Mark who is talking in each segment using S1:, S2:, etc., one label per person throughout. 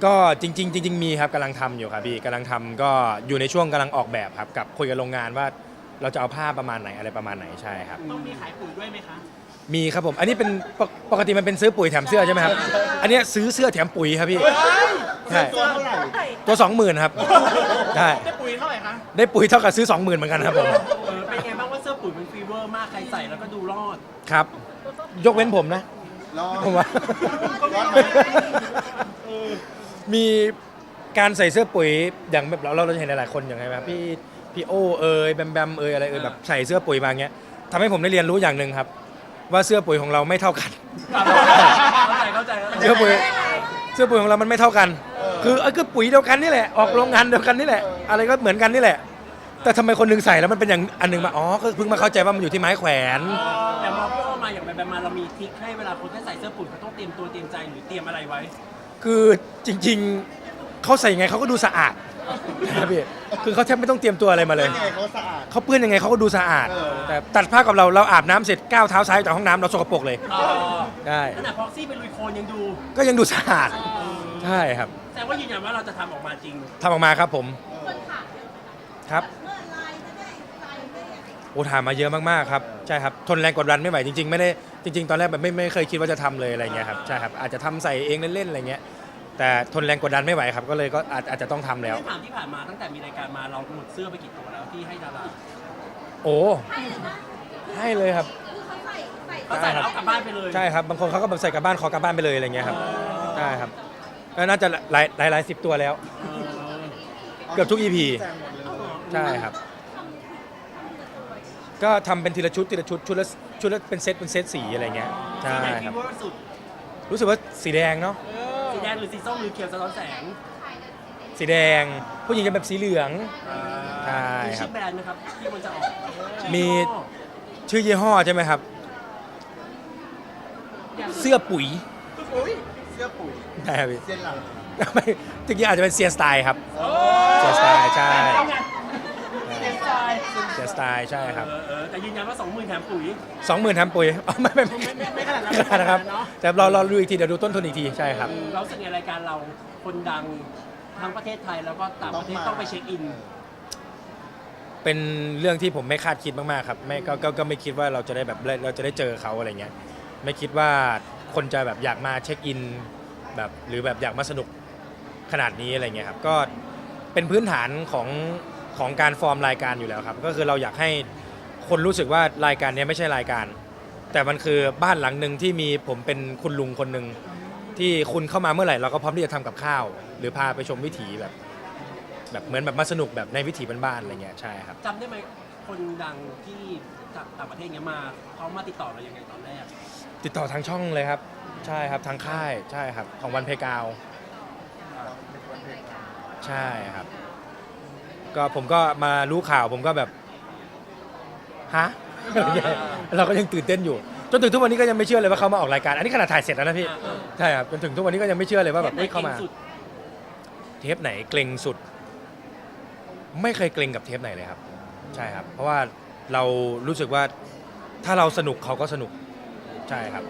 S1: ก็จริงๆจริงๆมีครับกำลังทำอยู่ครับพี่กำลังทำก็อยู่ในช่วงกำลังออกแบบครับกับคุยกับโรงงานว่าเราจะเอาผ้าประมาณไหนอะไรประมาณไหนใช่ครับ
S2: ต้องมีขายปุ๋ยด้วยไหมคะ
S1: มีครับผมอันนี้เป็นปกติมันเป็นซื้อปุ๋ยแถมเสื้อใช่ไหมครับอันนี้ซื้อเสื้อแถมปุ๋ยครับพี่ใช่
S3: ตัวเท่าไหร่
S1: ตัว20,000ครับใช่
S2: ได้ปุ๋ยเท่าไหร่คะ
S1: ได้ปุ๋ยเท่ากับซื้อ20,000เหมือนกันครับผม
S2: เป็นไงบ้างว่าเสื้อปุ๋ยมันฟีเวอร์มากใครใส่แล้วก็ดูรอด
S1: ครับยกเว้นผมนะ
S3: รอ
S1: ผมว่า
S3: รอดไหม
S1: มีการใส่เสื้อปุ๋ยอย่างแบบเราจะเห็นหลายๆคนอย่างไรแบบพี่โอแบมแบมอะไรแบบใส่เสื้อปุ๋ยมาเงี้ยทำให้ผมได้เรียนรู้อย่างหนึ่งครับว่าเสื้อปุ๋ยของเราไม่เท่ากัน
S2: เข้าใจ
S1: เสื้อปุ๋ยของเรามันไม่เท่ากันคือปุ๋ยเดียวกันนี่แหละออกโรงงานเดียวกันนี่แหละอะไรก็เหมือนกันนี่แหละแต่ทำไมคนนึงใส่แล้วมันเป็นอย่างอันนึงมาอ๋อก็เพิ่งมาเข้าใจว่ามันอยู่ที่ไม้แขวน
S2: แต่มอพี่โอมาอย่างแบบมาเรามีทริคให้เวลาคนที่ใส่เสื้อปุ๋ยเขาต้องเตรียมตัวเตรียมใจหรือเตรียมอะไรไว้
S1: คือจริงๆเขาใส่ยังไงเขาก็ดูสะอาดนะพี่คือเขาแทบไม่ต้องเตรียมตัวอะไรมาเลยเขาเปื้อนยังไงเขาก็ดูสะอาดแต่ตัดผ้ากับเราอาบน้ำเสร็จก้าวเท้าซ้ายจากห้องน้ำเราสกปรกเลยได้
S2: ขนาดพ็อกซี่เป็นลุยโคลนยังดู
S1: ก็ยังดูสะอาดใช่ครับ
S2: แต่ว่ายืนยันว่าเราจะทำออกมาจริง
S1: ทำออกมาครับผมครับโอ้ถามมาเยอะมากๆครับใช่ครับทนแรงกดดันไม่ไหวจริงๆไม่ได้จริงๆตอนแรกแบบไม่เคยคิดว่าจะทำเลยอะไรเงี้ยครับใช่ครับอาจจะทำใส่เองเล่นๆอะไรเงี้ยแต่ทนแรงกดดันไม่ไหวครับก็เลยก็อาจจะต้องทำแล้ว
S2: ถามที่ผ่านมาตั้งแต่มีรายการมาเราหมดเสื้อไปกี่ตัวแล้วที่ให้ดารา
S1: โอ้ให้เลยครับ
S2: เขาใส่แล้วกลับบ้านไปเลย
S1: ใช่ครับบางคนเขาก็แบบใส่กลับบ้านขอกลับบ้านไปเลยอะไรเงี้ยครับใช่ครับก็น่าจะหลายสิบตัวแล้วเกือบทุก EP ใช่ครับก็ทำเป็นทีละชุดชุดละเป็นเซตสีอะไรเงี้ยใช่ครับรู้สึกว่าสีแดงเนาะ
S2: สีแดงหรือสีส้มหรือเขียวสะท้อนแสง
S1: สีแดงผู้หญิงจะแบบสีเหลืองใช่
S2: ค
S1: รั
S2: บมีชื่อแบรนด์ไหมครับที่มันจะออก
S1: มีชื่อยี่ห้อใช่ไหมครับเสื้อปุ๋ย
S3: เสื้อปุ๋ย
S1: ใช่ครับพี่
S3: เสื้อหลัง
S1: ไม่จริงๆอาจจะเป็นเซียสไตล์ครับเซียสไตล์ใช่เซียสไตล์ใช่ครับ
S2: แต่ยืนยันว่า 20,000 แถมปุ๋ย
S1: 20,000 แถมปุ๋ยไม่ขนาดนั้นนะครับแต่เราดูอีกทีเดี๋ยวดูต้นทุนอีกทีใช่ครับ
S2: เราสึกในรายการเราคนดังทั้งประเทศไทยแล้วก็ต่างประเทศต้องไปเช็คอิน
S1: เป็นเรื่องที่ผมไม่คาดคิดมากๆครับไม่ก็ไม่คิดว่าเราจะได้แบบเราจะได้เจอเขาอะไรเงี้ยไม่คิดว่าคนจะแบบอยากมาเช็คอินแบบหรือแบบอยากมาสนุกขนาดนี้อะไรเงี้ยครับก็เป็นพื้นฐานของการฟอร์มรายการอยู่แล้วครับก็คือเราอยากให้คนรู้สึกว่ารายการนี้ไม่ใช่รายการแต่มันคือบ้านหลังหนึ่งที่มีผมเป็นคุณลุงคนหนึ่งที่คุณเข้ามาเมื่อไหร่เราก็พร้อมที่จะทำกับข้าวหรือพาไปชมวิถีแบบเหมือนแบบมาสนุกแบบในวิถีบ้านๆอะไรเงี้ยใช่ครับ
S2: จำได้ไหมคนดังที่จากต่างประเทศเงี้ยมาเขามาติดต่อเรายังไงตอนแรก
S1: ติดต่อทางช่องเลยครับใช่ครับทางค่ายใช่ครับของวันเพกาวใช่ครับก็ผมก็มารู้ข่าวผมก็แบบฮะเราก็ยังตื่นเต้นอยู่จนถึงทุกวันนี้ก็ยังไม่เชื่อเลยว่าเขามาออกรายการอันนี้ขนาดถ่ายเสร็จแล้วนะพี่ใช่ครับจนถึงทุกวันนี้ก็ยังไม่เชื่อเลยว่าแบบเข้ามาเทปไหนเกรงสุดไม่เคยเกรงกับเทปไหนเลยครับใช่ครับเพราะว่าเรารู้สึกว่าถ้าเราสนุกเขาก็สนุกใช่ครับ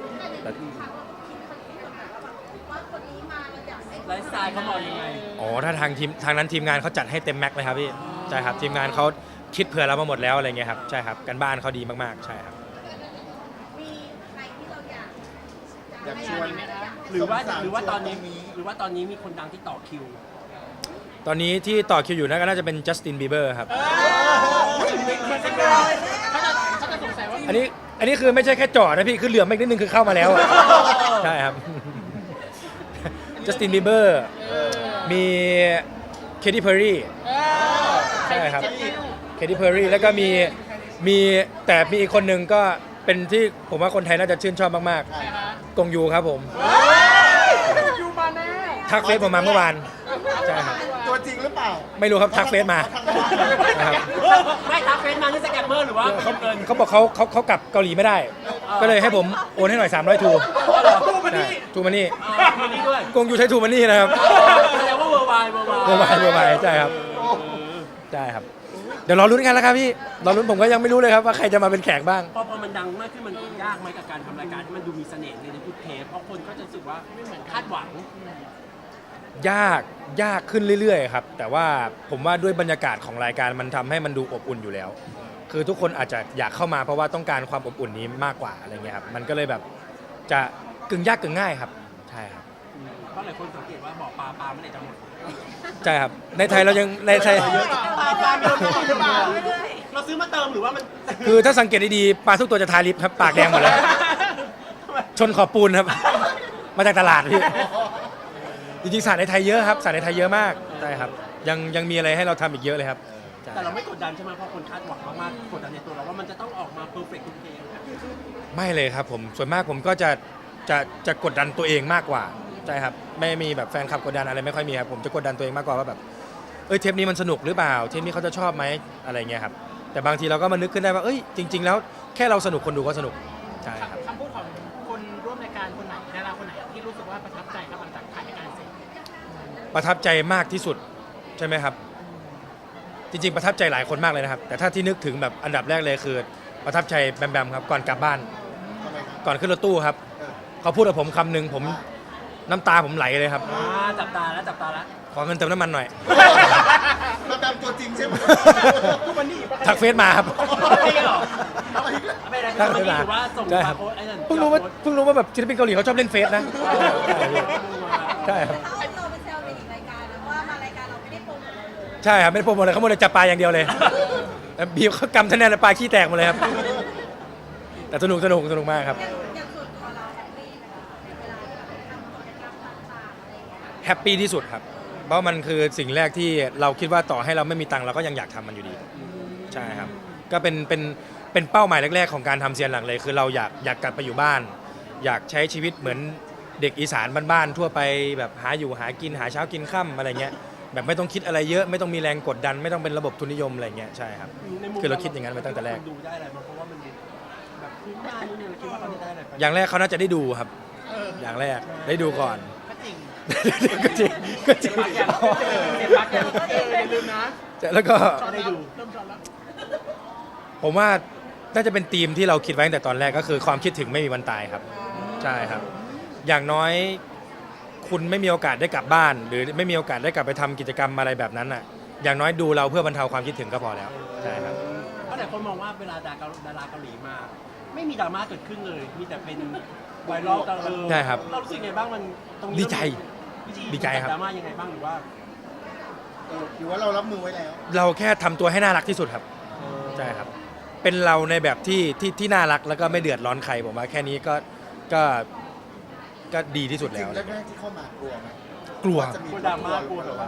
S2: ไลฟ์สไตล์เขาบอกยังไง
S1: อ๋อถ้าทางนั้นทีมงานเขาจัดให้เต็มแม็กเลยครับพี่ใช่ครับทีมงานเขาคิดเผื่อเรามาหมดแล้วอะไรเงี้ยครับใช่ครับกันบ้านเขาดีมากๆใช่ครับ
S4: มีใครที่เรา
S3: อยากชวน
S2: หรือว่าตอนนี้มีคนดังที่ต่อคิว
S1: ตอนนี้ที่ต่อคิวอยู่น่าจะเป็นจัสตินบีเบอร์ครับอันนี้คือไม่ใช่แค่จอดนะพี่คือเหลือไม่นิดนึงคือเข้ามาแล้วใช่ครับจัสตินบีเบอร์มีเคที่เพอร์รี่ใช่ครับเคที่เพอร์รี่แล้วก็มีแต่มีอีกคนหนึ่งก็เป็นที่ผมว่าคนไทยน่าจะชื่นชอบมากๆกงยูครับผมทักเฟซผมมาเมื่อวานใช่ครับ
S3: ตัวจริงหรือเปล่า
S1: ไม่รู้ครับทักเฟซมา
S2: นะครับไม่ทักเฟซมานี่สแกมเมอร์หรือว่า
S1: เขาบอกเขากลับเกาหลีไม่ได้ก็เลยให้ผมโอนให้หน่อย300ทูทูมานี่กงยูใช้ทูมานี่นะครับ
S2: แสดงว่าเวอร์ไว
S1: ใช่ครับใช่ครับเดี๋ยวรอลุ้นกันแล้วครับพี่รอลุ้นผมก็ยังไม่รู้เลยครับว่าใครจะมาเป็นแขกบ้าง
S2: พอมันดังมากขึ้นมันยากไหมกับการทำรายการที่มันดูมีเสน่ห์ในทุกเทปเพราะคนก็จะรู้สึกว่าไม่เหมือนคาดหวัง
S1: ยากขึ้นเรื่อยๆครับแต่ว่าผมว่าด้วยบรรยากาศของรายการมันทำให้มันดูอบอุ่นอยู่แล้ว คือทุกคนอาจจะอยากเข้ามาเพราะว่าต้องการความอบอุ่นนี้มากกว่าอะไรเงี้ยครับมันก็เลยแบบจะกึ่งยากกึ่งง่ายครับใช่ครับ
S2: เพราะหลายคนสังเกตว่าบ่อปลาไม่ได้จะหมด
S1: ใช่ครับในไทยเรายังในไทย
S2: ปลาเติมหรือเปล่าเราซื้อมาเติมหรือว่ามัน
S1: คือถ้าสังเกตดีๆปลาทุกตัวจะทาลิปครับปากแดงหมดเลยชนขอบปูนครับมาจากตลาดพี่จริงๆสารในไทยเยอะครับสารในไทยเยอะมากใช่ครับยังมีอะไรให้เราทำอีกเยอะเลยครับใช่
S2: แต่เราไม่กดดันใช่ไหมเพราะคนคาดหวังมากๆกดดันในตัวเราว่ามันจะต้องออกมาเพอร์เฟกต์ทุกเพลง
S1: ไม่เลยครับผมส่วนมากผมก็จะกดดันตัวเองมากกว่าใช่ครับไม่มีแบบแฟนคลับกดดันอะไรไม่ค่อยมีครับผมจะกดดันตัวเองมากกว่าว่าแบบเทปนี้มันสนุกหรือเปล่าเทปนี้เขาจะชอบไหมอะไรเงี้ยครับแต่บางทีเราก็มานึกขึ้นได้ว่าจริง ๆ แล้วแค่เราสนุกคนดูก็สนุกใช่ครับ
S5: คำพูดของคนร่วมรายการคนไหนดาราคนไหนที่รู้สึกว่าประทับใจครับหลังจากถ่ายรายการเสร็จ
S1: ประทับใจมากที่สุดใช่ไหมครับจริงๆประทับใจหลายคนมากเลยนะครับแต่ถ้าที่นึกถึงแบบอันดับแรกเลยคือประทับใจแบมครับก่อนกลับบ้าน
S3: ทำไมครับ
S1: ก่อนขึ้นรถตู้ครับ
S3: เออ
S1: เขาพูดกับผมคำหนึ่งผมน้ำตาผมไหลเลยครับ
S2: จับตาแล้ว
S1: ขอเงินเติมน้ำมันหน่อย
S3: มาตามตัวจริงใช่ไหม
S2: ทุกวันนี้
S1: ทักเฟซมาครับ
S2: ไม่ได้หรอ
S3: อะไรอีกแล้ว
S2: ไม่ได้
S1: ทัก
S2: ทุก
S1: เฟ
S2: วัน
S1: ซ
S2: นี้
S1: มา
S2: ถือว่าส่ง
S1: ใช่
S2: มา
S1: ครับ
S2: โพสไอ้นั่น
S1: เพิ่งรู้ว่าแบบศิลปินเกาหลีเขาชอบเล่นเฟซนะใช่ครับ
S4: เขาเอาเราไปแซวในอีกรายการแล้วว่ามารายการเราไม่ได้โปรโมทเราเลย
S1: ใช่ครับไม่ได้โปรโมทเลยเขาโมเลยจับปลาอย่างเดียวเลยแล้วบีบเขากำท่าแน่เลยปลาขี้แตกหมดเลยครับแต่สนุกมากครับ
S4: อย่างส่วนตัวเราแฮปปี้ไหมคะในเวลาที่แบบทำกิจกรรมต่างๆอะไรอย่างเงี้ย
S1: แฮปปี้ที่สุดครับเพราะมันคือสิ่งแรกที่เราคิดว่าต่อให้เราไม่มีตังค์เราก็ยังอยากทำมันอยู่ดีใช่ครับก็เป็นเป้าหมายแรกๆของการทำเซียนหลังเลยคือเราอยากกลับไปอยู่บ้าน อยากใช้ชีวิตเหมือนเด็กอีสานบ้านๆทั่วไปแบบหาอยู่หากินหาเช้ากินค่ำอะไรเงี้ยแบบไม่ต้องคิดอะไรเยอะไม่ต้องมีแรงกดดัน ไม่ต้องเป็นระบบทุนนิยมอะไรเงี้ยใช่ครับ คือเราคิดอย่างนั้นมาตั้งแต่แรก
S2: ดูได้อะไรมาเพราะว่ามันแบบพื้นบ้านนี่เราคิดว่าเขาจะได้อะไร
S1: อย่างแรกเขาน่าจะได้ดูครับอย่างแรกได้ดูก่อน
S5: ก็จริง
S1: ก็จริงก็จริง
S2: เจ็บปากอย่าง
S5: อย่าลืมนะ
S1: แล้วก็
S2: ได้ดู
S5: เริ่มจอดแล้ว
S1: ผมว่าน่าจะเป็นธีมที่เราคิดไว้ตั้งแต่ตอนแรกก็คือความคิดถึงไม่มีวันตายครับใช่ครับ อย่างน้อยคุณไม่มีโอกาสได้กลับบ้าน หรือไม่มีโอกาสได้กลับไปทำกิจกรรมอะไรแบบนั้นอ่ะอย่างน้อยดูเราเพื่อบรรเทาความคิดถึงก็พอแล้วใช่ครับ
S2: เพราะหลายคนมองว่าเวลาดาราเกาหลีมา ไม่มีดราม่าเกิดขึ้นเลย มีแต่เป็นไวรัลตลอด
S1: ใช่ครับ
S2: เรารู้สึกไงบ้างมันตรงนี้
S1: ดีใจ
S2: วิธี
S1: ดีใจครับ
S2: ดราม่ายังไงบ้างหรือว่า
S3: หรือว่าเรารับมือไว้แล้ว
S1: เราแค่ทำตัวให้น่ารักที่สุดครับใช่ครับ เป็นเราในแบบที่น่ารักแล้วก็ไม่เดือดร้อนใครผมว่าแค่นี้ก็ดีที่สุด
S3: จริ
S1: แล้
S3: ง
S1: ว
S3: ๆแรกๆที่เข้ามากลัวไหม
S1: กลัว
S3: จะมี
S2: กลัวดราม่ากลัวแบบว่า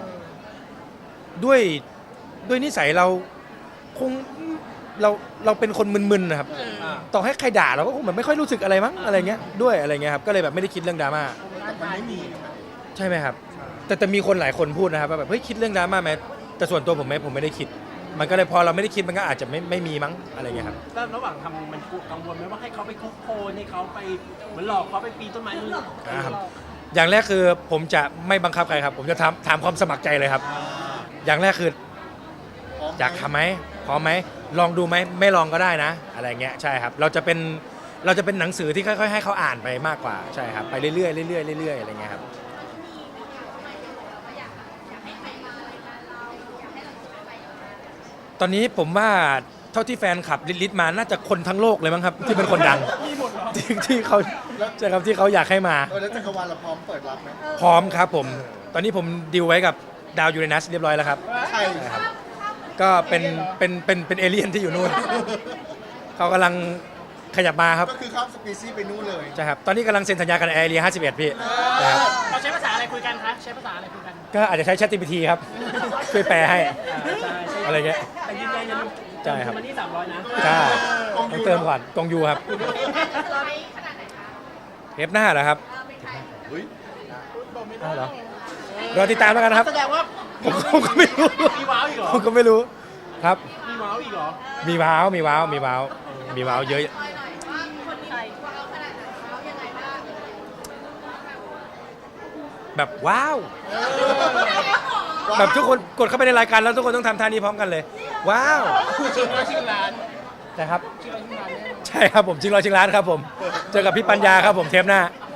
S1: ด้วยนิสัยเราคงเราเป็นคนมึนๆนะครับ ต่อให้ใครด่าเราก็คงแบบไม่ค่อยรู้สึกอะไรมั้งอะไรเงี้ยด้วยอะไรเงี้ยครับก็เลยแบบไม่ได้คิดเรื่องดราม่า
S3: แต่มันไม่มีนะ
S1: ใช่ไหมครับแต่มีคนหลายคนพูดนะครับว่าแบบเฮ้ยคิดเรื่องดราม่าไหมแต่ส่วนตัวผมไม่ได้คิด มันก็เลยพอเราไม่ได้คิดมันก็อาจจะไม่มีมั้งอะไรเงี้ยครับ
S2: แล้วระหว่างทำมันกังวลไหมว่าให้เขาไปคุกโคลนให้เขาไปเหมือนหลอกเขาไปปีนต้นไม้นู่น
S1: ครับ อย่างแรกคือผมจะไม่บังคับใครครับ ผมจะถามความสมัครใจเลยครับ อย่างแรกคือ
S3: พร้มไหม
S1: อยากทำไหมพร้อมไหมลองดูไหมไม่ลองก็ได้นะ อะไรเงี้ยใช่ครับเราจะเป็นหนังสือที่ค่อยๆให้เขาอ่านไปมากกว่าใช่ครับไปเรื่อยๆเรื่อยๆเรื่อยๆอะไรเงี้ยครับตอนนี้ผมว่าเท่าที่แฟนคลับลิสต์มาน่าจะคนทั้งโลกเลยมั้งครับ ที่เป็นคนดังที่เขาใช่ครับที่เขาอยากให้มา
S3: แล้วจักรวาลเราพร้อมเปิดรับไหม
S1: พร้อมครับผม ตอนนี้ผมดีลไว้กับดาวยูเรนัสเรียบร้อยแล้วครับ
S3: ใช่
S1: ครับก็เป็นเอเลี่ยนที่อยู่นู่น เขากำลังขยับมาครับ
S3: ก็คือข้ามสปีชีส์ไปนู่นเลย
S1: ใช่ครับ ตอนนี้กำลังเซ็นสัญญากันแอร์เรีย51 พี่นะครับ
S5: เราใช้ภาษาอะไรคุยกันคะใช้ภาษาอะไรคุยกัน
S1: ก็อาจจะใช้ ChatGPT ครับ ช่วยแปลให้
S2: ใช่
S1: อะไรเงี้ย
S2: แต่ยืนยันยัง
S1: ใช่ครับ
S2: มันนี่300นะ
S1: ใช่ต้องเติมก่อนกองยูครับ
S4: ตอนนี้ขนาดไหนคะ
S1: เทปหน้าเหรอครับ
S4: ไม่ใช่
S3: เฮ้ย
S1: อ้าวเหรอรอติดตามแล้วกันนะครับ
S2: แสดงว่า
S1: ผมก็ไม่รู้
S2: มีว้าวอีกเหรอ
S1: ผมก็ไม่รู้ครับ
S2: มีว้าวอีกเหรอ
S1: มีว้าวเยอะ
S4: คอยหน่อยว่าคนนี้ว้าวขนาดไหนว้าวยังไงบ้าง
S1: แบบว้าว แบบทุกคนกดเข้าไปในรายการแล้วทุกคนต้องทำท่านี้พร้อมกันเลย ว้าว
S5: ชิงร้าน
S1: นะครับ
S5: ชิงร้านชิงร้านเนี่ย
S1: ใช่ครับผมชิงร้อยชิงล้านครับผม เจอกับพี่ปัญญาครับผมเทปหน้า
S5: อ